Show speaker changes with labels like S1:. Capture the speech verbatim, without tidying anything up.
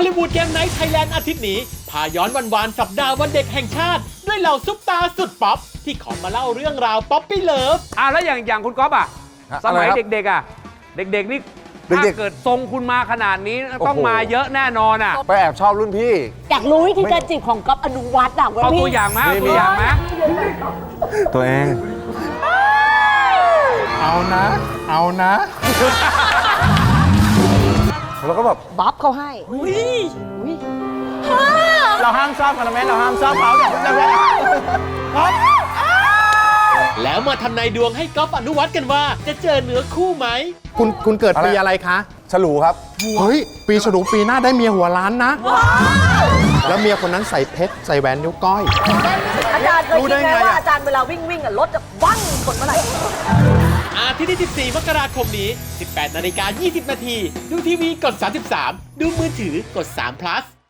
S1: อลลีวูดเกมไนท์ไทยแลนด์อาทิตย์นี้พาย้อนวันวานสัปดาห์วันเด็กแห่งชาติ ด้วยเหล่าซุปตาสุดป๊อปที่ขอมาเล่าเรื่องราวป๊อปปี้เลิฟ
S2: อ่ะแล้วอย่างอย่างคุณก๊อฟอ่ะสมัยเด็กๆอ่ะเด็กๆนี่ถ้าเกิดทรงคุณมาขนาดนี้ต้องมาเยอะแน่นอนอ่ะ
S3: ไปแอบชอบรุ่นพี่
S4: อยากรู้วิธีการจีบของก๊อฟอนุวัฒน์อ่ะ
S2: เอาตัวอย่างมาเอาตัวอย่างมา
S3: ตัวเอง
S5: เอานะ เอานะ
S3: แล้วก็แบบ
S4: บ๊อบเขาให้อุ้ย
S5: เราห้ามชอบคอนเมนต์เราห้ามชอบเขาเนี่ยจะแพ้
S1: แล้วมาทำนายดวงให้ก๊อฟอนุวัฒน์กันว่าจะเจอเนื้อคู่ไหม
S5: คุณคุณเกิดปีอะไรคะ
S3: ฉลูครับ
S5: เฮ้ย ปีฉลูปีหน้าได้เมียหัวล้านนะ แล้วเมียคนนั้นใส่เพชรใส่แหวนนิ้วก้อย
S4: อาจารย์เคย
S5: รู้
S4: คิ
S5: ได้
S4: ดไหม
S5: ไง
S4: ว่า
S5: อะ
S4: อาจารย์เวลาวิ่งวิ่งอ่ะรถจะบั้งชนเมื่อไหร่
S1: อาทิตย์ที่ สิบสี่ มกราคมนี้ สิบแปดนาฬิกายี่สิบนาที ดูทีวีกด สามสิบสาม ดูมือถือกด สาม plus